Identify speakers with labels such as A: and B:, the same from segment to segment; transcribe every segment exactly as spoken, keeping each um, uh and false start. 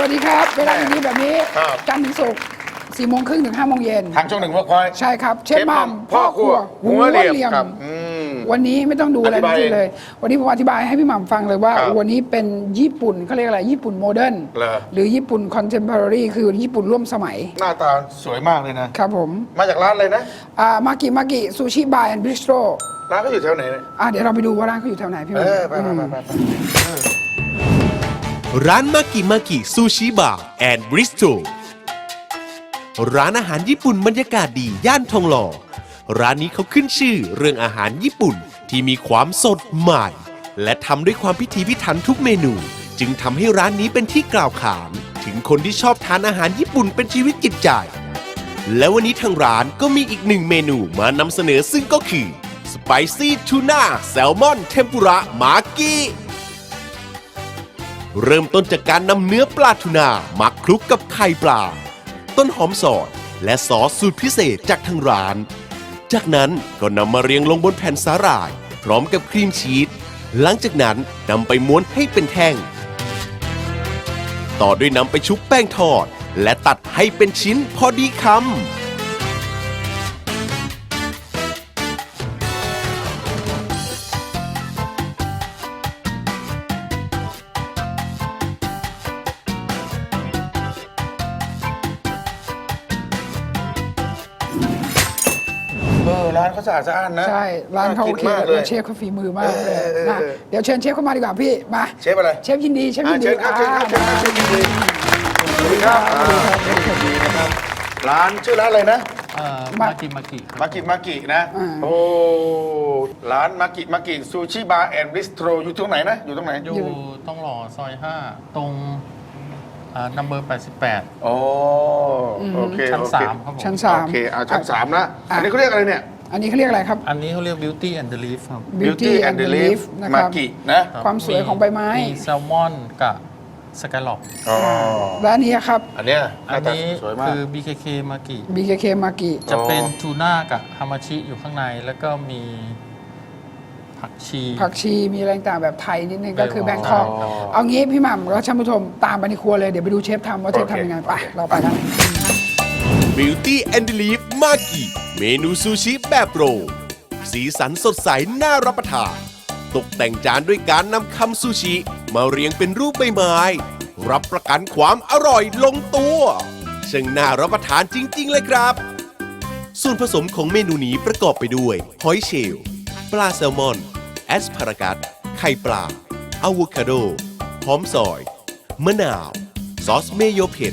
A: วัสดีครับเวลาอย่างนี้แบบนี้จันทร์ถึงศุกร์สี่โมงครึ่งถึงห้าโมงเย็น
B: ทางช่องหนึ่งเวิร์กพอยต์
A: ใช่ครับเชฟมัมพ่อครัวหัวเหลี่ยมวันนี้ไม่ต้องดูอะไรทั้งสิ้นเลยวันนี้ผมอธิบายให้พี่หม่ำฟังเลยว่าวันนี้เป็นญี่ปุ่นเขาเรียกอะไรญี่ปุ่นโมเดิร์นหรือญี่ปุ่นคอนเทมพอรารีคือญี่ปุ่นร่วมสมัย
B: หน้าตาสวยมากเลยนะครับ
A: ผม
B: มาจากร้านอะไรนะ
A: อ่ามากิมากิซูชิบาร์แอนด์บิสโตร
B: ร้านเขาอยู่แถวไหนเนี่ย
A: อ่าเดี๋ยวเราไปดูว่าร้านเขาอยู่แถวไหนพี่หม่ำ
B: เออไปไปไปไป
C: ร้านมากิมากิซูชิบาร์แอนด์บริสโตร้านอาหารญี่ปุ่นบรรยากาศดีย่านทองหล่อร้านนี้เขาขึ้นชื่อเรื่องอาหารญี่ปุ่นที่มีความสดใหม่และทำด้วยความพิถีพิถันทุกเมนูจึงทำให้ร้านนี้เป็นที่กล่าวขานถึงคนที่ชอบทานอาหารญี่ปุ่นเป็นชีวิตจิตใจและวันนี้ทางร้านก็มีอีกหนึ่งเมนูมานำเสนอซึ่งก็คือสไปซี่ทูน่าแซลมอนเทมปุระมากิเริ่มต้นจากการนำเนื้อปลาทูน่าหมักคลุกกับไข่ปลาต้นหอมสดและซอสสูตรพิเศษจากทางร้านจากนั้นก็นำมาเรียงลงบนแผ่นสาหร่ายพร้อมกับครีมชีสหลังจากนั้นนำไปม้วนให้เป็นแท่งต่อด้วยนำไปชุบแป้งทอดและตัดให้เป็นชิ้นพอดีคำ
B: ร้านเขาสะอาดสะอ้านนะ
A: ใช่ร้านเขาโอเคเลยเชฟเขาฝีมือมากเลยนะเดี๋ยวเชิญเชฟเข้ามาดีกว่าพี่มา
B: เชฟอะไร
A: เชฟยินดีเชฟยินดี
B: เชิญครับเชิญครับเชิญครับเชฟยินดีสวัสดีครับเชฟยินดีนะครับร้านชื่อร้านอะไรนะ
D: มากิมากิ
B: มากิมากินะโอ้ร้านมากิมากิซูชิบาร์แอนด์บิสโตรอยู่ตรงไหนนะอยู่ตรงไหน
D: อยู่ต้องหล่อซอยห้าตรงนัมเบอร์แปดสิบแปด
B: โอ้โอเค
D: ชั้นสามครับผม
A: ชั้นสาม
B: โอเคเอาชั้นสามนะอันนี้เขาเรียกอะไรเนี่ย
A: อันนี้เขาเรียกอะไรครับ
D: อันนี้เขาเรียก Beauty and the Leaf ครับ
B: Beauty and the Leaf
A: มา
B: กินะ
A: ความสวยของใบไม้
D: มีแซลมอนกับสกายล็อก
A: และอันนี้ครับ
B: อันนี้
D: อันนี้คือ บี เค เค มากิ
A: บี เค เค มากิ
D: จะเป็นทูน่ากับฮามาชิอยู่ข้างในแล้วก็มีผักชี
A: ผักชีมีอะไรต่างแบบไทยนิดนึงก็คือแบงคอกเอางี้พี่หม่ำแล้วท่านผู้ชมตามไปในครัวเลยเดี๋ยวไปดูเชฟทำว่าเชฟทำยังไงไปเราไปกัน
C: Beauty and the Leaf มากิเมนูซูชิแบบโรลสีสันสดใสน่ารับประทานตกแต่งจานด้วยการนำคำซูชิมาเรียงเป็นรูปใบไม้รับประกันความอร่อยลงตัวช่างน่ารับประทานจริงๆเลยครับส่วนผสมของเมนูนี้ประกอบไปด้วยหอยเชลล์ปลาแซลมอนแอสพารากัสไข่ปลาอะโวคาโดหอมซอยมะนาวซอสเมโยเผ็ด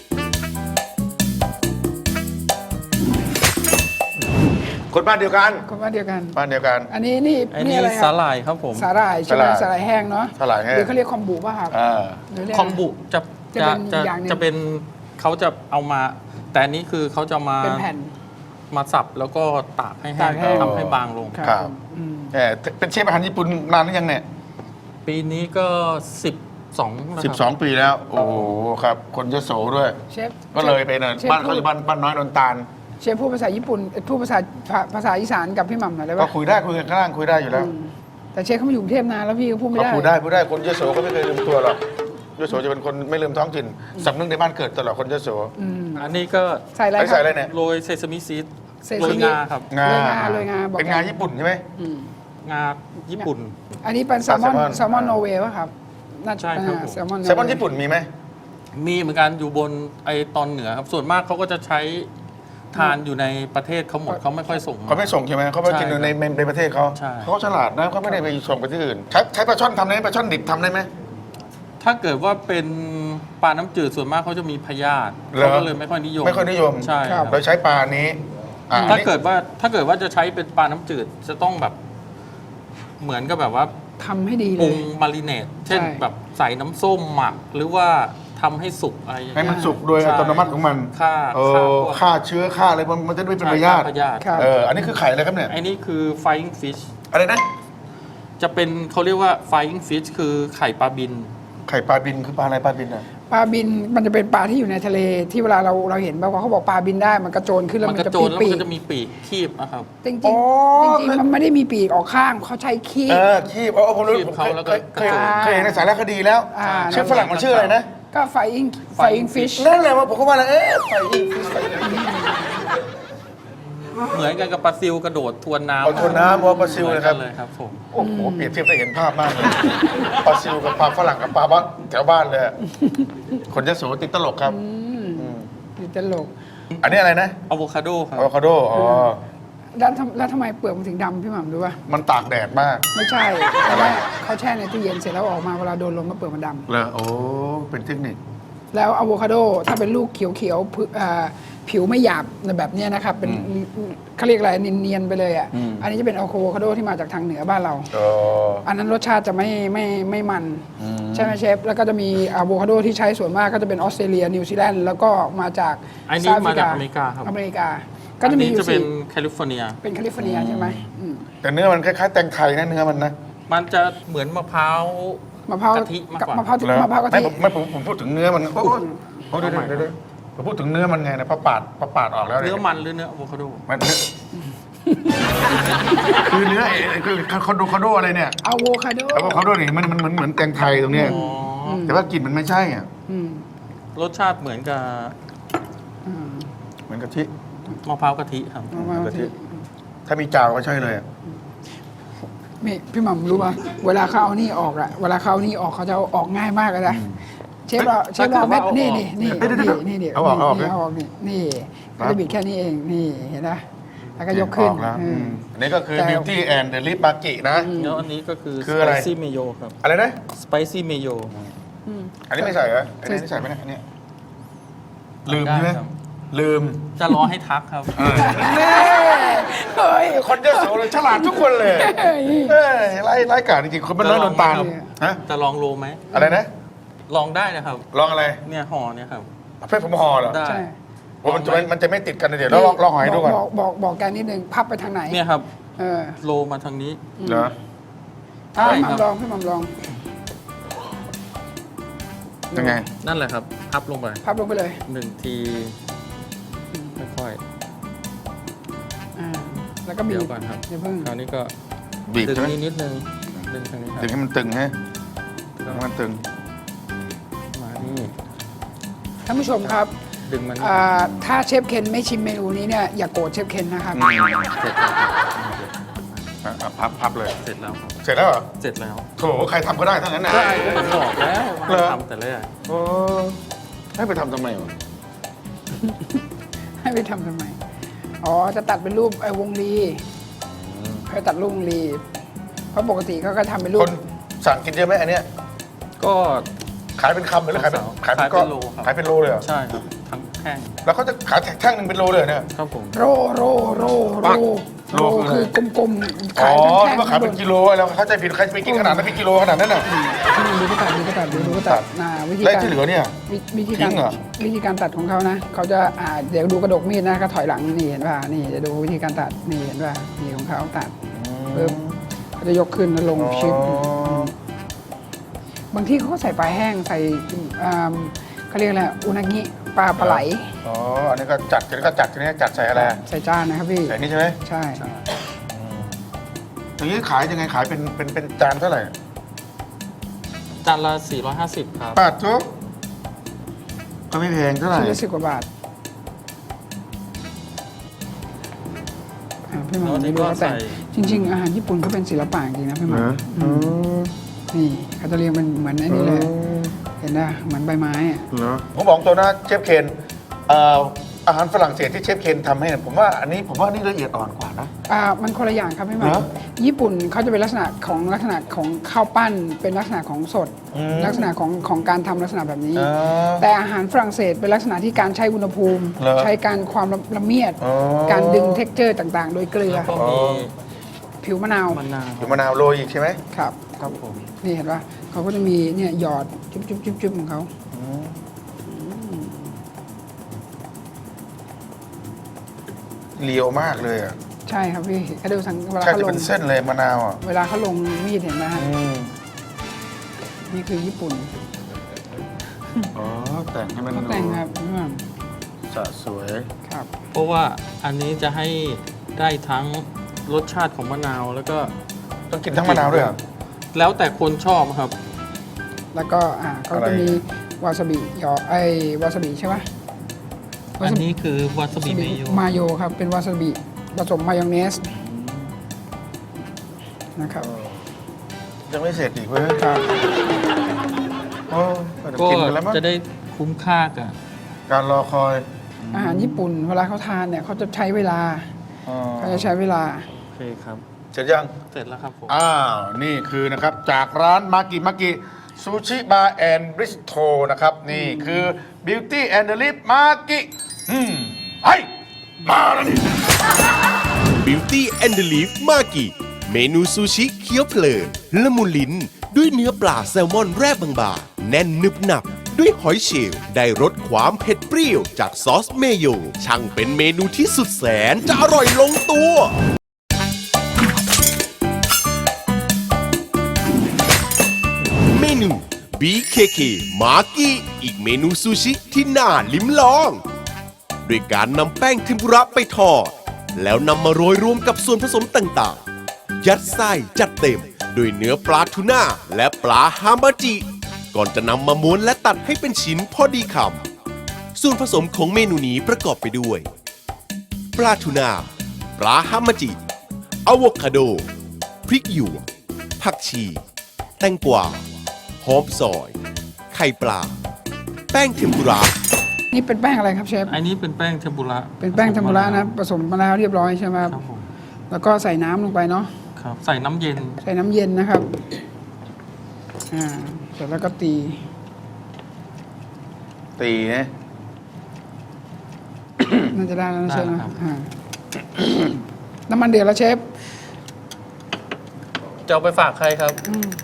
B: คนบ้านเดียวกัน
A: คนบ้านเดียวกัน
B: บ้านเดียวกัน
A: อันนี้นี่
D: อันนี้สาหร่ายครับผม
A: สาหร่ายใช่ไหมสาหร่ายแห้งเนาะ
B: สาหร่ายแห้ง
A: หรือเขาเรียกคอมบุป่ะครับ
D: คอมบุจะจะจะจะเป็นเขาจะเอามาแต่อันนี้คือเขาจะมา
A: เป็นแผ่น
D: มาสับแล้วก็ตากให้แห้งทำให้บางลง
B: ครับเป็นเชฟอาหารญี่ปุ่นนานหรือยังเนี่ย
D: ปีนี้ก็สิบสอง
B: สิบสองปีแล้วโอ้โหครับคนยโสด้วย
A: เชฟ
B: ก็เลยไปเนี่ยบ้านเขาอยู่บ้านบ้านน้อยนนตาล
A: เชฟพูดภาษาญี่ปุ่นพูดภาษาภาษาอีสานกับพี่หม่ำหน่อยได้ไหม
B: ก็คุยได้คุยกันข้างล่างคุยได้อยู่แล้ว
A: แต่เชฟเขามาอยู่กรุงเทพนานแล้วพี่เขาพูดไม่ได้
B: พูดได้พูดได้คนยโสเขาไม่เคยลืมตัวหรอกยโสจะเป็นคนไม่ลืมท้องถิ่นสำนึกในบ้านเกิดตลอดคนยโส
D: อันนี้ก็
A: ใส่อะไร
B: ใส่อะไรเนี่ย
D: โรยเซซามิซีด
A: โร
D: ยงาครับ
A: งาโรยงา
B: เป็นงาญี่ปุ่นใช่ไหม
D: งาญี่ปุ่น
A: อันนี้เป็นแซลมอนแซลมอนโนเวย์ป่ะครับ
D: ใช่ครับ
A: แซลมอน
B: แซลมอนญี่ปุ่นมีไหม
D: มีเหมือนกันอยู่บนไอตอนเหนือครับส่วนมากเขาก็จะใช้ทานอยู่ในประเทศเขาหมดเขาไม่ค่อยส่ง
B: เขาไม่ส่งใช่ไหมเขาไปกินในในประเทศเขาเขาฉลาดนะเขาไม่ได้ไปส่งไปที่อื่นใช้ใช้ปลาช่อนทำได้ไหมปลาช่อนดิบทำได้ไหม
D: ถ้าเกิดว่าเป็นปลาน้ำจืดส่วนมากเขาจะมีพยาธิเขาก็เลยไม่ค่อยนิยม
B: ไม่ค่อยนิยม
D: ใช่
B: เราใช้ปลานี้
D: ถ้าเกิดว่าถ้าเกิดว่าจะใช้เป็นปลาน้ำจืดจะต้องแบบเหมือนกับแบบว่า
A: ทำให้ดีเลย
D: ปรุงมาริเนตเช่นแบบใส่น้ำส้มหมักหรือว่าทำให้สุกอะไร
B: ให้มันสุกโดยอัตโนมัติของมัน
D: ฆ่า
B: ฆ่าเชื้อฆ่าอะไรมันจะไม่เป็นพยาธิเอออันนี้คือไข่อะไรครับเนี่ย
D: อันนี้คือ flying fish
B: อะไรนะ
D: จะเป็นเขาเรียกว่า flying fish คือไข่ปลาบิน
B: ไข่ปลาบินคือปลาอะไรปลาบินอ่ะ
A: ปลาบินมันจะเป็นปลาที่อยู่ในทะเลที่เวลาเราเราเห็นแบบว่าเขาบอกปลาบินได้มันกระโจนขึ้นแล้วมันจะปีก
D: ปีกมันจะมีปีกคีบนะครับ
A: จริงจริงจริงมันไม่ได้มีปีกออกข้างเขาใช้คีบ
B: เออคีบอ๋อผมรู้ผมเคยเคยเห็นในสารคดีแล้วชื่อฝรั่งมันชื่ออะไรนะ
A: ก็ไฟอิงไฟอิงฟิช
B: นั่นแหละว่าผมก็ว่าแล้วเอ๊ะไฟอิงฟิชไฟอิง
D: เหมือนกันกับปลาซิลกระโดดทวนน้ำ
B: เอาทวนน้ำว่าปลาซิลนะครับ
D: เหมือนกันเลยครับผม
B: โอ้โหเปรียบเทียบได้เห็นภาพมากเลยปลาซิลกับปลาฝรั่งกับปลาบ้านแถวบ้านเลยอะคนยโสติดตลกครับ
A: นี่ตลก
B: อันนี้อะไรนะ
D: อะโวคาโดครับ
B: อะโวคาโดอ๋อ
A: แล้วทำแล้วทำไมเปลือกมันถึงดำพี่หม่ำรู้ป่ะ
B: มันตากแดดมาก
A: ไม่ใช่เพราะว่าเขาแช่ในตู้เย็นเสร็จแล้วออกมาเวลาโดนลมก็เปลือกมันดำ
B: เหรอโอ้เป็นเทคนิค
A: แล้วอะโวคาโดถ้าเป็นลูกเขียวๆผึอ่าผิวไม่หยาบแบบเนี้ยนะครับเป็นเขาเรียกอะไรเนียนๆไปเลยอ่ะอันนี้จะเป็นอะโวคาโดที่มาจากทางเหนือบ้านเรา
B: อ๋อ
A: อันนั้นรสชาติจะไม่ไม่ไม่มันใช่ไหมเชฟแล้วก็จะมีอะโวคาโดที่ใช้ส่วนมากก็จะเป็นออสเตรเลียนิวซีแลนด์แล้วก็มาจาก
D: อันนี้มาจากอเมริกาครับ
A: อเมริกา ก็จะมีอ
D: อันนี้
A: ยู่
D: จะเป็
A: สี่
D: นแคลิฟอร์เนีย
A: เป็นแคลิฟอร์เนียใช่ไหมอืม
B: แต่เนื้อมันคล้ายๆแตงไทยนะเนื้อมันนะ
D: มันจะเหมือนมะพร้าว
A: มะพร้าว
D: กะทิมากกว่า
A: มะพร้าว
B: เหรอ
A: มะพร้าวกะ
B: ไม่
A: ทิ
B: ผมไม่ผมผมพูดถึงเนื้อมันโอ้โหโอ้เดี๋ยวเดี๋ยวเดี๋ยวผมพูดถึงเนื้อมันไงนะพอปาดพอปาดออกแล้ว
D: เนื้
B: ย
D: อมันหรือเนื้ออะโวคาโด
B: มันเนื้อคือเนื้อไอ้คือคอนโดคอนโดอะไรเนี่ย
A: อะโวคาโด
B: แล้วก็คอนโดนี่มันมันมันเหมือนแตงไทยตรงเนี้ย
D: อ๋อ
B: แต่ว่ากลิ่นมันไม่ใช่อ่ะ
A: อืม
D: รสชาติเหมือนกับ
A: อืม
B: เหมือนกะทิ
D: มะพร้าวกะทิครับ
A: มะพร้าวกะทิ
B: ถ้ามีจาวก็ใช่เลยอะ
A: นี่พี่หม่ำรู้ป่ะเวลาเขาเอานี่ออกอะเวลาเขาเอานี่ออกเขาจะเอาออกง่ายมากเลยนะเชฟเราเชฟเราเม็ดนี่นี่นี่นี่นี่นี่เอาออกเอาออกนี่นี่เขาจะบิดแค่นี้เองนี่เห็นไหมแล้วก็ยกขึ้น
B: ออแล้ว
A: อืม
B: อันนี้ก็คือ
A: แต่
B: Beauty and the Lip Maki นะ
D: แล้วอันนี้ก็คือ
B: คืออะไร
D: spicy mayo ครับ
B: อะไรนะ
D: spicy mayo
B: อันนี้ไม่ใส่เหรออันนี้ใส่ไหมเนี่ยอันเนี้ยลืมใช่ไหม
D: ได้ครับ
B: ลืม
D: จะรอให้ทักครับ
A: เน่เฮ้ย
B: คนเยอะโสเลยฉลาดทุกคนเลย
A: เฮ้ย
B: เอ้ยไล่ไล่กาดจริงๆคนมันน้อยนอนตาล
D: จะลองไหม
B: ฮะ
D: จะลองโรไหม
B: อะไรนะ
D: ลองได้นะครับ
B: ลองอะไร
D: เนี่ยห่อเนี่ยครับ
B: เพื่อนผมห่อเหรอ
D: ได้
A: ใช่
B: ว่ามันจะมันจะไม่ติดกันนะเดี๋ยวเราลองลองหอยดูก่อน
A: บอกบอกบอกแกนิดนึงพับไปทางไหน
D: เนี่ยครับ
A: เออ
D: โรมาทางนี้
B: เหรอ
D: ใช่
A: พี่ห
D: ครับ
A: ม่ำลองพี่หม่ำลอง
B: ยังไง
D: นั่นแหละครับ พับลงไป
A: พับลงไปเลย
D: หนึ่งทีค่อย
A: อ่าแล้วก็
D: ๆ
A: บี
D: เดี๋ยว
A: บ
D: ก่อนครับ
A: อย่าเพิ่ง
D: คราวนี้ก็
B: บีบ
D: ดึง
B: ใช่ไหม
D: นิดนิดนึงดึงทางนี้ครั
B: ดึง
D: บ
B: ให้มันตึงฮะดึงให้มันตึง
D: มานี่
A: ท่านผู้ชมครับ
D: ดึงมัน
A: อ่าถ้าเชฟเคนไม่ชิมเมนูนี้เนี่ยอย่าโกรธเชฟเคนนะครับ
D: เสร็จแล้วครับ
B: อ่ะอ่ะพับพับเลย
D: เสร็จแล้วครับ
B: เสร็จแล้วเหรอ
D: เสร็จแล้ว
B: โถใครทำก็ได้ทั้งนั้นนะ
D: ได้ก็ผมบอกแล้ว
B: เหรอ
D: ทำแต่แรก
B: โอ้ให้ไปทำทำไมวะ
A: ให้ไปทำทำไม อ๋อ จะตัดเป็นรูปไอ้วงลีให้ตัดรูปวงลี เพราะปกติเขาก็ทำเป็นรู
B: ค
A: ป
B: นสั่งกินเยอะไหมอันเนี้ย
D: ก็
B: ขายเป็นคำหรือขายเป็นขายเป็น
D: ขายเป็น
B: ก้อน
D: โลครับ
B: ขายเป็นโลเลยเหรอ
D: ใช่ครับ ทั้งแท่ง
B: แล้วเขาจะขายแท่งหนึ่งเป็นโลเลยเหรอเนี่ย
D: ครับผม
A: โรโรโรโร
B: ปัก
A: โร
B: โรคือ
A: คือกลมๆ
B: อ๋
A: ขายเป็นแท่ง
B: อที่ว่าขายเป็นกิโลแล้วเข้าใจผิดใครจะไปกินขนาดนั้นเป็นกิโลขนาดนั้นน่ะ
A: ดูก็ตัดดูก็ตัดดูก็ตัดนะวิธี
B: แล้ว
A: การ
B: ที่เหลือเนี่ย
A: วิวิธี
B: ทิ้
A: การ
B: งเหรอ
A: วิธีการตัดของเขานะ เขาจะอ่าเดี๋ยวดูกระดกมีดนะก็ถอยหลังนี่เห็นป่ะ นี่จะดูวิธีการตัด นี่เห็นป่ะ นี่ของเขาตัดปึ๊บเขาจะยกขึ้นแล้วลงชิป บางที่เขาก็ใส่ปลาแห้งใส่อ่าเขาเรียกอะไรอุนางิปลาปลาไหล
B: อ๋อ อันนี้ก็จัดทีนี้ก็จัดทีนี้จัดใส่อะไร
A: ใส่จานนะครับพี่
B: ใส่นี่ใช่ไหม
A: ใช่
B: อย่างนี้ขายยังไงขายเป็นเป็นเป็นจานเท่าไหร่
D: จานละสี่ร้อยห้าสิบครับ
B: บาททุกก็ไม่แพงเท่าไหร่
A: ชิ้นละสิบกว่าบาทอ่าพี่หมอ
D: แล้วนี่
A: นี่ดู
D: ก็
A: เขาแต่ง
D: ใส่
A: จริง ๆ อาหารญี่ปุ่นก็เป็นศิลปะจริงนะพี่หมอ
B: เหรอ
A: อืมนี่เขาจะเรียงเป็นเหมือนอันนี้เลย เห็นไหมเหมือนใบไม้อะ
B: เหรอผมบอกตัวนะเชฟเคนเอ่ออาหารฝรั่งเศสที่เชฟเคนทำให้เนี่ยผมว่าอันนี้ผมว่านี่ละเอียดอ่อนกว่านะ
A: อ่ามันคนละอย่างครับพี่หมอ
B: เหรอ
A: ญี่ปุ่นเขาจะเป็นลักษณะของลักษณะของข้าวปั้น เป็นลักษณะของสด
B: อืม
A: ลักษณะของของการทำลักษณะแบบนี้
B: อ๋อ
A: แต่อาหารฝรั่งเศสเป็นลักษณะที่การใช้อุณหภูมิ
B: เหรอ
A: ใช้การความละละเมียด
B: อ๋อ
A: การดึงเท็กเจอร์ต่างๆ โดยเกลือ
D: แล้วก็มี
A: ผิวมะนาว
D: มะนาว
B: อยู่มะนาวโรยอีกใช่ไหม
A: ครับ
D: ครับผม
A: นี่เห็นปะเขาก็จะมีเนี่ยหยอดจุ๊บจุ๊บจุ๊บจุ๊บของเขา
B: เลียวมากเลยอ่ะ
A: ใช่ครับพี่ก็ดูสังเวลา
B: ใช่
A: เขา
B: จะ
A: ล
B: เป็
A: ง
B: นเส้นเลยมะนาวอ่ะ
A: เวลาเขาลงมีดเห็นไหมฮะ
B: อืม
A: นี่คือญี่ปุ่น
B: อ๋อแต่งให้มัน
A: เขาแต่งครับพี่หม่
B: สะสวย
A: ำครับ
D: เพราะว่าอันนี้จะให้ได้ทั้งรสชาติของมะนาวแล้วก็
B: ต้องกินทั้งมะนาวด้วยเหรอ
D: แล้วแต่คนชอบครับ
A: แล้วก็อ่าเขา
B: อะไร
A: จะมีวาซาบิยอไอวาซาบิใช่ไหม
D: อันนี้คือวาซาบิเมโย
A: มาโยครับ เป็นวาซาบิผสมมายองเนสนะครับ
B: ยังไม่เสร็จอีกเว้ย
A: ครับ
B: โอ้เดี๋ยว
D: ก็
B: กินกันแล้วมั้ง
D: จะได้คุ้มค่ากับ
B: การรอคอย
A: อาหารญี่ปุ่นเวลาเขาทานเนี่ยเขาจะใช้เวลา
B: อ๋อ
A: เขาจะใช้เวลา
D: โอเคครับ
B: เสร็จยัง
D: เสร็จแล้วครับผม
B: อ้าว นี่คือนะครับ จากร้านมากิมากิซูชิบาร์แอนด์บริสโตนะครับ นี่คือ Beauty and the Leaf มากิอืมไอ้มาแล้วนี่
C: Beauty and the Leaf มากิเมนูซูชิเคี้ยวเพลินละมุนลิ้น ด้วยเนื้อปลาแซลมอนแร่บางๆแน่นนึบหนับ ด้วยหอยเชลล์ได้รสความเผ็ดเปรี้ยวจากซอสเมโยช่างเป็นเมนูที่สุดแสนจะอร่อยลงตัว เมนู บี เค เค มากิอีกเมนูซูชิที่น่าลิ้มลอง ด้วยการนำแป้งเทมปุระไปทอด แล้วนำมาโรยรวมกับส่วนผสมต่างๆ ยัดไส้จัดเต็มด้วยเนื้อปลาทูน่าและปลาฮามาจิ ก่อนจะนำมาม้วนและตัดให้เป็นชิ้นพอดีคำส่วนผสมของเมนูนี้ประกอบไปด้วย ปลาทูน่าปลาฮามาจิอะโวคาโด พริกหยวกผักชี แตงกวาหอมซอย ไข่ปลา แป้งเทมปุระ
A: นี่เป็นแป้งอะไรครับเชฟ
D: อันนี้เป็นแป้งเทมปุระ
A: เป็นแป้งเทมปุระนะผสมมาแล้วเรียบร้อยใช่ไหมครับ
D: ครับผม
A: แล้วก็ใส่น้ำลงไปเนาะ
D: ครับ ใส่น้ำเย็น
A: ใส่น้ำเย็นนะครับ อ่า เสร็จแล้วก็ตี
B: ตีนะ
A: น่าจะได้แล้วนะเชฟ
D: ได้
A: นะ
D: ครับ
A: อ่า น้ำมันเดือดแล้วเชฟ
D: จะเอาไปฝากใครครับ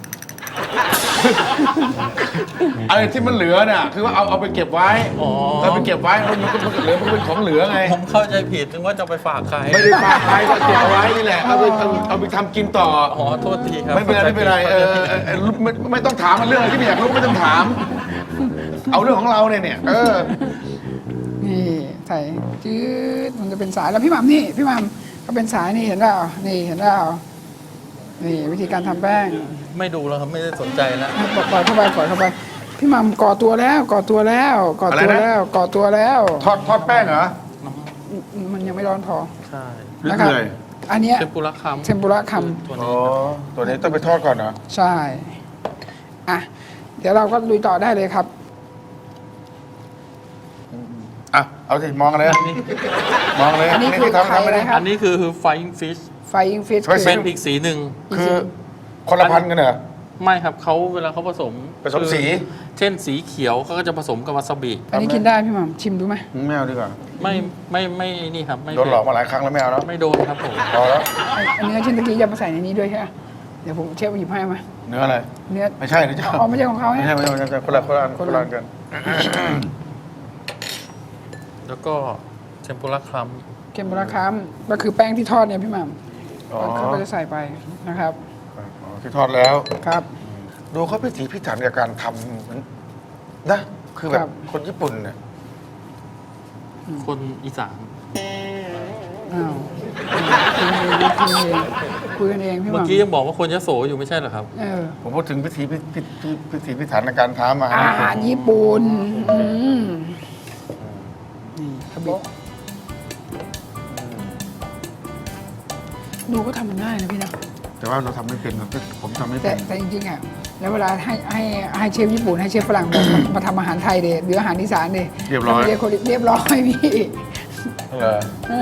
B: อะไรที่มันเหลือเนี่ยคือว่าเอาเอาไปเก็บไว้
D: อ๋อ
B: เอาไปเก็บไว้มันมันก็มันก็เหลือมันเป็นของเหลือไง
D: ผมเข้าใจผิดนึกว่าจะเอาไปฝากใคร
B: ไม่ได้ฝากใครก็เก็บเอาไว้นี่แหละเอาไปเอาเอาไปทำกินต่อ
D: อ๋อ โทษทีครับ
B: ไม่เป็นไรไม่เป็นไรเออเออเออไม่ไม่ต้องถามมันเรื่องอะไรที่ไม่อยากรู้ไม่ต้องถาม เอาเรื่องของเราเนี่ยเนี่ยเออ
A: นี่ใส่จืดมันจะเป็นสายแล้วพี่หม่ำนี่ พี่หม่ำก็เป็นสายนี่เห็นเปล่านี่เห็นเปล่านี่วิธีการทำแป้ง
D: ไม่ดูแล้วครับ ไม่ได้สนใจแล้ว
A: ปล่อยเข้าไปปล่อยเข้าไป พี่หม่ำก่อตัวแล้วก่อตัวแล้วก่อตัวแล้วก่อตัวแล้ว
B: ทอดทอดแป้งเหรอ
A: มันยังไม่ร้อนพอ
D: ใช่
B: หรือ
A: นะครั
B: เหนื่อย
A: อันเนี้ย
D: เทมปุระคำ
A: เทมปุระค
D: ตัว
B: อ๋
D: นี้
B: อตัวนี้ต้องไปทอดก่อนเหรอ
A: ำใช่อ่ะเดี๋ยวเราก็ลุยต่อได้เลยครับ
B: อ่ะเอาสิมองกันเลยมองเลย
A: อันนี้คือ
B: ทำ
A: ไข่
B: ทำไม่
A: อะไร
B: ได้
A: ครับ
D: อันนี้คือ flying fish
A: Flying Fish
B: ไม่
D: เป็นอีกสีหนึ่ง
B: คือคนละพันกันเหรอ
D: ไม่ครับเขาเวลาเขาผสม
B: ผสมสี
D: เช่นสีเขียวเขาก็จะผสมกับวาซาบิ
A: อันนี้กินได้พี่หม่ำชิมดูไหม
B: ไม่เอาดีกว่า
D: ไม่ไม่ไม่นี่ครับไม่
B: โดนหลอกมาหลายครั้งแล้วไม่เอาแล้ว
D: ไม่โดนครับผม
B: พอแล้ว
A: ไอ้อันเนื้อชิ้นตะกี้จะมาใส่ในนี้ด้วยใช่ไหมเดี๋ยวผมเชฟหยิบให้มา
B: เนื้ออะไร
A: เนื้อ
B: ไม่ใช่นะจ๊ะ
A: อ๋อไม่ใช่ของเขา
B: ไม่
A: เนี่ย
B: ใช่ไม่ใช่ไม่ใช่คนละคนละอันคนละอันกัน
D: แล้วก็เทมปุระคลัม
A: เค็มปลาคัมก็คือแป้งที่ทอดเนี่ยพี่หม่
B: อ๋อ
A: ำเขาก็จะใส่ไปนะครับ
B: อ๋อที่ทอดแล้ว
A: ครับ
B: ดูเขาพิถีพิถันกับการทำเหมือนนะคือแบ
A: ครับ บ
B: คนญี่ปุ่นเนี่ย
D: คนอีสาน
A: อ้าวคุยกันเองคุยกันเองพี่ห
D: เมื่อ
A: ม่ำ
D: กี้ยังบอกว่าคนยโสอยู่ไม่ใช่เหรอครับ
A: เออ
B: ผมพูดถึงพิถีพิพิพิพิถีพิถันในการทำอาหาร
A: อาหารญี่ปุ่นอืมนี่กระบอกดูก็ทำมันง่ายนะพี่นะ
B: แต่ว่าเราทำไม่เป็นนะผมทำไม่
A: แต่
B: เป็น
A: แต่จริงๆอ่ะแล้วเวลาให้ให้ให้เชฟญี่ปุ่นให้เชฟฝรั่งมามาทำอาหารไทยเดหรืออาหารอีสานเด
B: เรียบร้อย
A: เรียบเรียบร้อยพี่
B: เหรอ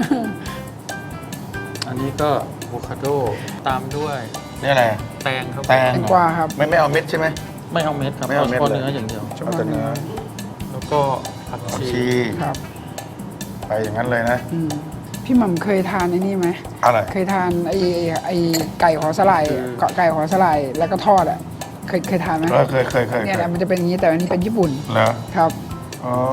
D: อันนี้ก็อะโวคาโดตามด้วย
B: นี่อะไร
D: แตงครับ
B: แตง
A: แตงกวาครับ
B: ไม่ไม่เอาเม็ดใช่ไหม
D: ไม่เอาเม็ดครับ
B: ไม่เอาเม็ด
D: เฉพาะ
B: เลย
D: เนื้ออย่างเดียว
B: เอาแต่เนื้อ
D: แล้วก็ผัก
B: ผัก
D: ชี
B: ชี
A: ครับ
B: ไปอย่างนั้นเลยนะ
A: อืมพี่หม่ำเคยทานไอ้นี่ไหม
B: อะไร
A: เคยทานไอ้ไอ้ไก่หอสลายเกาะไก่หอสลายแล้วก็ทอดอ่ะเคยเคยทานไหม
B: เออเคยเคยเคย
A: เนี่ยแหละมันจะเป็นอย่างนี้แต่อันนี้เป็นญี่ปุ่น
B: เหรอ
A: ครับ
B: อ๋อ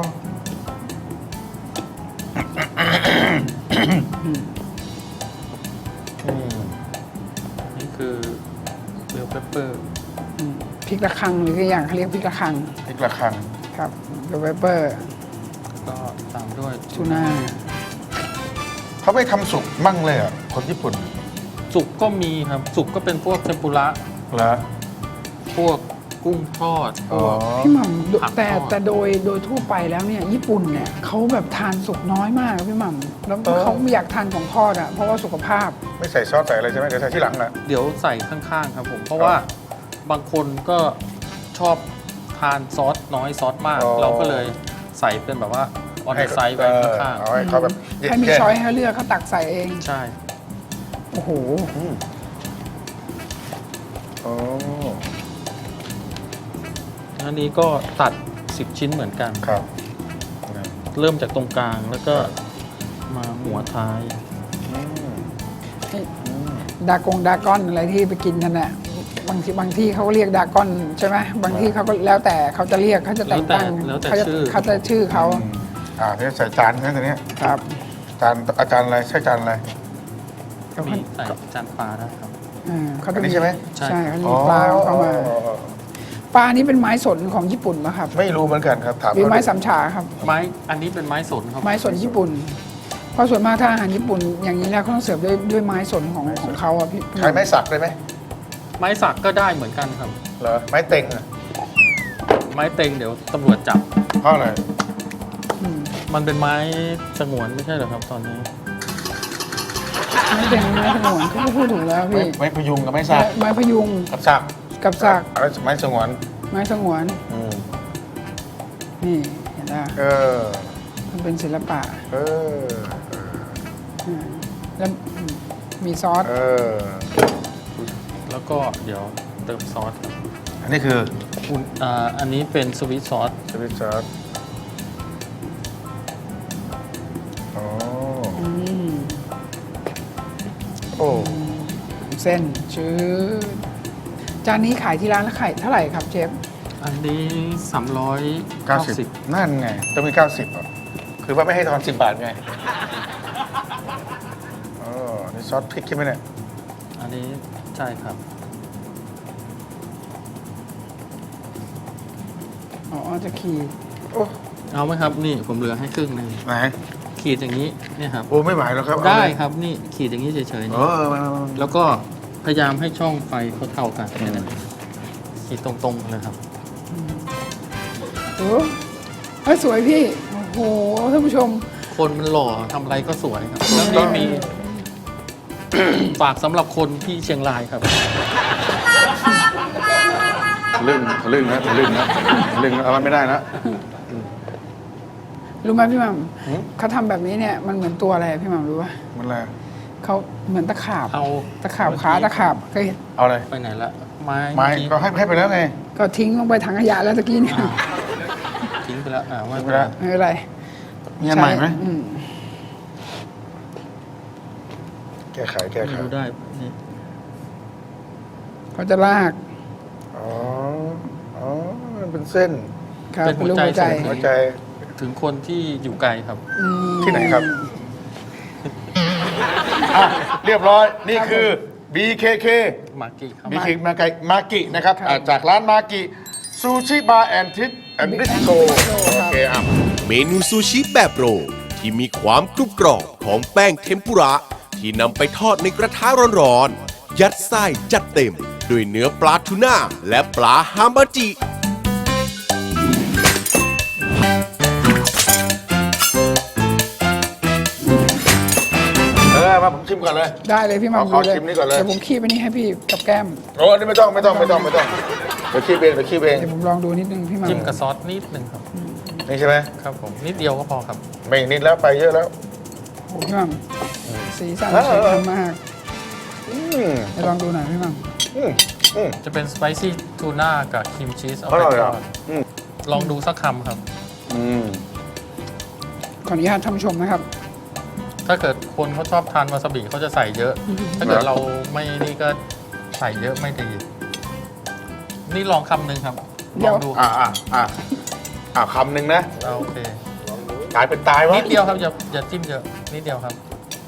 D: นี่คือเบลเปปเปอร์
A: อืมพริกระคังหรือก็อย่างเขาเรียกพริกระคัง
B: พริกระคัง
A: ครับเบลเปเปอร์
D: ก็ตามด้วย
A: ทูน่า
B: เขาไม่ทำสุกมั่งเลยอ่ะคนญี่ปุ่น
D: สุกก็มีครับ สุกก็เป็นพวกเทมปุระ
B: เหรอ
D: พวกกุ้งทอดพวก
A: พี่หม่ำ
D: ผัก
A: แต่
D: ทอด
A: แต่โดยโดยทั่วไปแล้วเนี่ยญี่ปุ่นเนี่ยเขาแบบทานสุกน้อยมากพี่หม่ำแล้วเขาไม่อยากทานของทอดอ่ะเพราะว่าสุขภาพ
B: ไม่ใส่ซอสใส่อะไรใช่ไหมเดี๋ยวใส่ที่หลังนะ
D: เดี๋ยวใส่ข้างๆครับผม เพราะว่าบางคนก็ชอบทานซอสน้อยซอสมาก เราก็เลยใส่เป็นแบบว่าออนไซด์ไว้ข้าง
B: เอาให้เขาแบบ
A: ให้มีช้อยให้เลือกเขาตักใส่เอง
D: ๆใช่
A: โอ้โห
B: โอ้
D: อันนี้ก็ตัดสิบชิ้นเหมือนกัน
B: ครับ
D: เริ่มจากตรงกลางแล้วก็มาหัวท้าย
A: ดากงดากอนอะไรที่ไปกินกันน่ะบางทีบางที่เขาก็เรียกดากอนใช่ไหมบางที่เขาก็แล้วแต่เขาจะเรียกเขาจะแต่งตั้ง
D: แล้วแต่
A: เขาจะ
D: ชื่อ
A: เขาจะชื่อเขา
B: อ่าเนี่ยใส่จานนะตัวเนี้ย
A: ครับ
B: จานอาจารย์อะไรใช่จานอะไร
D: มีใส่จานปลาได้ครับ
A: อ่าเขา
B: อั
A: จะ
B: นนี้ใช่ไหม
D: ใช่
A: ใช่เขาจะมีปลาเข้ามาปลานี้เป็นไม้สนของญี่ปุ่นปะครับ
B: ไม่รู้เหมือนกันครับถาม
A: หรือไม้
B: เขาดู
A: สำฉาครับ
D: ไม้อันนี้เป็นไม้สนครับ
A: ไม้สนญี่ปุ่น เพราะส่วนมากถ้าอาหารญี่ปุ่น อย่างนี้แล้วเขาต้องเสิร์ฟด้วยด้วยไม้สนของของเขาอะพี่
B: ใช้ไม้สักได้ไหม
D: ไม้สักก็ได้เหมือนกันครับ
B: เหรอไม้เต็งอะ
D: ไม้เต็งเดี๋ยวตำรวจจับ
B: เพราะอะไร
A: อืม
D: มันเป็นไม้สงวนไม่ใช่เหรอครับตอนนี้
A: ไม้เป็นไม้สงวนเขาก็พูดถูกแล้ว
B: ไม้
A: พี่
B: ไม้พยุงกับไม้สัก
A: ไม้พยุง
B: กับสัก
A: กับสัก
B: อะไรไม้สงวน
A: ไม้สงวน
B: อืม
A: นี่เห็นไหม
B: เออ
A: มันเป็นศิลปะ
B: เออ
A: อ่าแล้วมีซอส
B: เออ
D: แล้วก็เดี๋ยวเติมซอสครับ
B: อันนี้คือ
D: อุ่นอ่าอันนี้เป็นสวีทซอส
B: สวิตซอสอ๋อ
A: อืม
B: โอ้
A: เส้นชื้อจานนี้ขายที่ร้านแล้วขายเท่าไหร่ครับเชฟ
D: อันนี้สามร้อย
B: เก้า
D: เก้า
B: สิ
D: สิ
B: บบ นั่นไงต้องมีเก้าสิบอ่ะคือว่าไม่ให้ทอนสิบบาทไงอ๋อนี่ซอสพริกใช่ไหมเนี่ย
D: อันนี้ใช่ครับ
A: อ๋อจะขีด
B: โอ้
D: เอาไหมครับนี่ผมเหลือให้ครึ่งหนึ่ง
B: ไหน
D: ขีดอย่างนี้เนี่ยครับ
B: โอ้ไม่ไหวแล้วครับเอา
D: ได้
B: เลย
D: ครับนี่ขีดอย่างนี้เฉยๆ
B: เอ
D: นี่
B: อมามามา
D: แล้วก็พยายามให้ช่องไฟเขาเท่ากันแค่นั้นเองขีดตรงๆเลยครับ
A: โอ้เฮ้ยสวยพี่ โอ้โหท่านผู้ชม
D: คนมันหล่อทำอะไรก็สวยครับแล้วนี่มี ฝากสำหรับคนที่เชียงรายครับ
B: ทะลึ่งทะลึ่งนะทะลึ่งนะทะลึ่งนะเอามันไม่ได้นะ
A: รู้ไหมพี่หมัม
B: หืม
A: เขาทำแบบนี้เนี่ยมันเหมือนตัวอะไรพี่หมัมรู้ป่ะ
B: มันอะไร
A: เขาเหมือนตะขาบ
D: เอา
A: ตะขาบขาตะขาบเคยเห็น
B: เอาอะไร
D: ไปไหนละไม้
B: ไม้
D: เมื่อกี้
B: ก็ให้ให้ไปแล้วไง
A: ก็ทิ้งลงไปถังขยะแล้วตะกี้เนี่ย
D: ทิ้งไปแล้วอ่าว่า
B: ทิ้งไปแล้ว
A: ไม่เป็นไร
B: มีอันใหม่ไหม
A: อืม
B: แก้ไขแก้ไข
D: ดูได้นี่
A: เขาจะลาก
B: อ๋ออ๋อมันเป็นเส้น
A: ครับ
D: เป็นหัวใจ
A: รูปหัวใจ
D: ส่ง
B: หัวใจ
D: ถึงคนที่อยู่ไกลครับ
A: อืม
B: ที่ไหนครับอ่ะเรียบร้อยนี่คือ บี เค เค
D: มากี้ครับ
B: บี เค มาไกมากินะครับอ่ะจากร้านมากิซูชิบาร์แอนทิสแอนดิสโตโอเคอ่ะ
C: เมนูซูชิแบบโรลที่มีความกรุบกรอบของแป้งเทมปุระ ที่นำไปทอดในกระทะร้อนๆ ยัดไส้จัดเต็ม ด้วยเนื้อปลาทูน่าและปลาฮามาจิ
B: เออมาผมชิมก่อนเลย
A: ได้เลยพี่หมัม
B: ขอ
A: ดูเลย
B: ชิมนี่ก่อนเลย
A: เดี๋ยวผมคีบไปนี่ให้พี่กับแก้ม
B: โอ้อันนี้ไม่ต้องไม่ต้องไม่ต้องไม่ต้องเดี๋ยวขี้เองเดี๋ยวขี้เอง
A: เดี๋ยวผมลองดูนิดนึงพี่หมัม
D: จิ้มกับซอสนิดหนึ่งครับ
B: นี่ใช่ไหม
D: ครับผมนิดเดียวก็พอครับ
B: ไม่นิดแล้วไปเยอะแล้ว
A: โอ้พี่หมัมสีสัน
B: เออ
A: สวยงามมาก
B: อืม
A: เดี๋ยวลองดูหน่อยพี่หมัม
B: อืมอืม
D: จะเป็นสไปซี่ทูน่ากับครีมชีสเอา
B: อ
D: ไป
B: ร่อย
D: ท
B: อ่ะ
D: อด
B: อืม
D: ลองดูสักคำครับ
B: อืม
A: ขออนุญาตท่านผู้ชมนะครับ
D: ถ้าเกิดคนเขาชอบทานวาซาบิเขาจะใส่เยอะ ถ้าเกิดเราไม่นี่ก็ใส่เยอะไม่ดี นี่ลองคำหนึ่งครับ
A: เดี๋
D: ล
A: ยว
D: องดู
B: อ่าอ่าอ่าอ่าคำหนึ่งนะ
D: เอาโอเค
B: ตายเป็นตายวะ
D: นิดเดียวครับอย่าอย่าจิ้มเยอะนิดเดียวครับ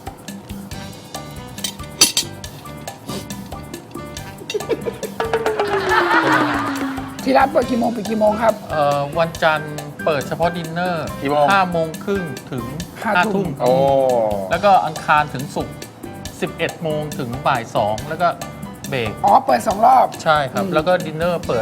A: ที่ร้านเปิดกี่โมงปิดกี่โมงครับ
D: เอ่อวันจันทร์เปิดเฉพาะดินเนอร์
B: กี่โมง
D: ห้าโมงครึ่งถึง
A: ห้า
D: ห้า
A: ทุ่
D: ทุ่
A: ม
D: ม
B: โอ้
D: แล้วก็อังคารถึงศุกร์สิบเอ็ดโมงถึงบ่ายสองแล้วก็เบรก
A: อ๋อ เปิดสองรอบ
D: ใช่ครับ
A: อืม
D: แล้วก็ดินเนอร์เปิด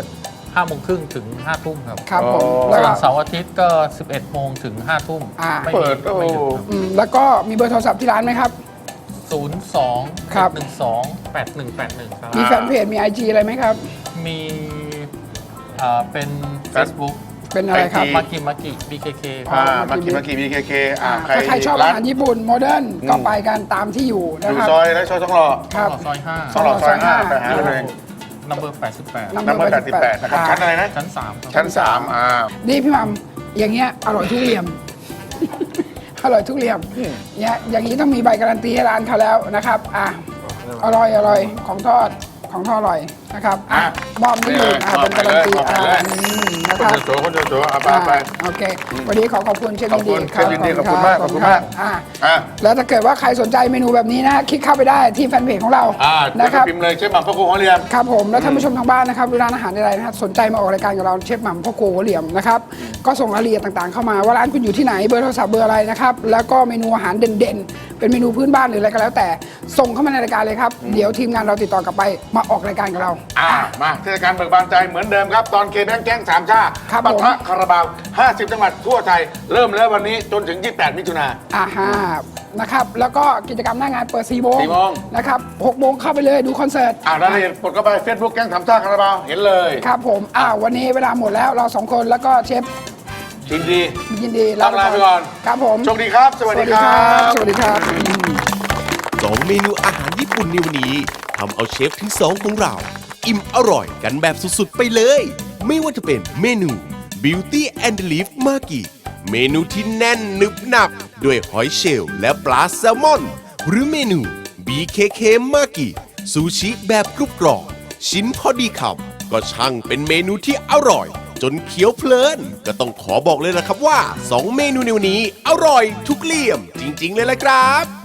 D: ห้าโมงครึ่งถึงห้าทุ่มครับ
A: ครับผม
B: อ๋อ
A: แล้ว
D: ส่ว
A: ก็
D: นเสาร์อาทิตย์ก็ สิบเอ็ดโมงถึงห้าทุ่ม
A: อ่า
D: ไม่
B: เปิ
D: มี
B: ดโอ้
D: ไม่หยุดครับ
A: อืมแล้วก็มีเบอร์โทรศัพท์ที่ร้านไหมครับ
D: ศูนย์ สอง
A: ครับ
D: หนึ่งสอง แปดหนึ่งแปดหนึ่งครับ
A: มีแฟนเพจมี ไอ จี อะไรไหมครับ
D: มีอ่าเป็น Facebook
A: เป็นอะไรครับ
B: ไอจี
D: มากิมากิ บี เค เค ค
B: อ่า
D: รับ
B: มากิมากิบีเคเคอ่า
A: อ่า
B: ใคร
A: ถ้าใครชอบอาหารญี่ปุ่นโมเดิร์นก็ไปกันตามที่อยู่
B: อ
A: นะ
B: ยู่
A: ครับ
B: ซอยแล้วซอยทองหล่อ
A: ครับ
D: ซอยห้า
B: ทองหล่อซอยห้าไปหา
A: ค
B: เล
A: รับ
B: ย
D: นัมเบอร์แปดสิบแปด
B: น้ำเบอร์แปดสิบแปดนะครับ ชั้นอะไรนะ
D: ชั้นสามครับ
B: ชั้นสามอ่า
A: นี่พี่หมัมอย่างเงี้ยอร่อยทุกเหลี่ยม อร่อยทุกเหลี่ยมเนี่ยอย่างนี้ต้องมีใบการันตีให้ร้านเขาแล้วนะครับอ่ะอร่อยอร่อยของทอดของทอดอร่อยนะครับอ่ะ
B: อ่ะ
A: มอบนี่อยู่อ่ะ
B: มอบ
A: เป็นการันตี
B: มอบไป
A: อ่ะ
B: เลย
A: อืมนะ
B: ค
A: คน รับ
B: โจโฉคนโจโฉเอาไป
A: อ่ะ
B: เอาไป
A: โอเควันนี้ขอขอบคุณเชฟยินดี
B: ขอบคุณเชฟยินดีขอบคุณมากขอบคุณมาก
A: อ่ะ
B: อ่ะ
A: แล้วถ้าเกิดว่าใครสนใจเมนูแบบนี้นะคลิกเข้าไปได้ที่แฟนเพจของเรา
B: อ่า
A: นะ
B: นะ
A: ค
B: ค
A: รั
B: รับ บพิมพ์เลยเชฟหม่ำพ่อครูหัวเรียม
A: ครับผมแล้วท่านผู้ชมทางบ้านนะครับร้านอาหารใดๆนะครับสนใจมาออกรายการกับเราเชฟหม่ำพ่อครัวหัวเหลี่ยมนะครับก็ส่งรายละเอียดต่างๆเข้ามาว่าร้านคุณอยู่ที่ไหนเบอร์โทรศัพท์เบอร์อะไรนะครับแล้วก็เมนูอาหารเด่นๆ เป็นเมนูพื้นบ้านหรืออะไรก็แล้วแต่ส่งเข้ามาในรายการเลยครับเดี๋ยวทีมงานเราติดต่อกลับไปมาออกรายการกับเรา
B: อ่ามาเทศกาลเบิกบานใจเหมือนเดิมครับ ตอนเคแบงแก๊งสามชา
A: ครับ
B: ปะ
A: ผม
B: ทะคาราบาว ห้าสิบ จังหวัดทั่วไทย เริ่มแล้ววันนี้จนถึง ยี่สิบแปด มิถุนา
A: อ่าฮะนะครับแล้วก็กิจกรรมหน้างานเปิดสี่โมง
B: สี่โมง
A: นะครับหกโมงเข้าไปเลยดูคอนเสิร์ต
B: อ่ารายละเอียดกดเข้าไปเฟซบุ๊กแก๊งสามชาคาราบาว เห็นเลย
A: ครับผมอ่าวันนี้เวลาหมดแล้วเราสองคนแล้วก็เชฟ
B: ยินดี
A: ยินดี
B: ต้องลาไปก่อน
A: ครับผม
B: โชคดีครับ สวัสดีครับ
A: สวัสดีครับอืม
C: สองเมนูอาหารญี่ปุ่นในวันนี้ทำเอาเชฟทั้งสองของเรา อิ่มอร่อยกันแบบสุดๆไปเลย ไม่ว่าจะเป็นเมนู Beauty and the Leaf Maki เมนูที่แน่นนึบหนับ ด้วยหอยเชลล์และปลาแซลมอน หรือเมนู บี เค เค Maki ซูชิแบบกรุบกรอบชิ้นพอดีคำก็ช่างเป็นเมนูที่อร่อย จนเคี้ยวเพลิน ก็ต้องขอบอกเลยนะครับว่าสองเมนูในวันนี้อร่อยทุกเหลี่ยมจริงๆเลยละครับ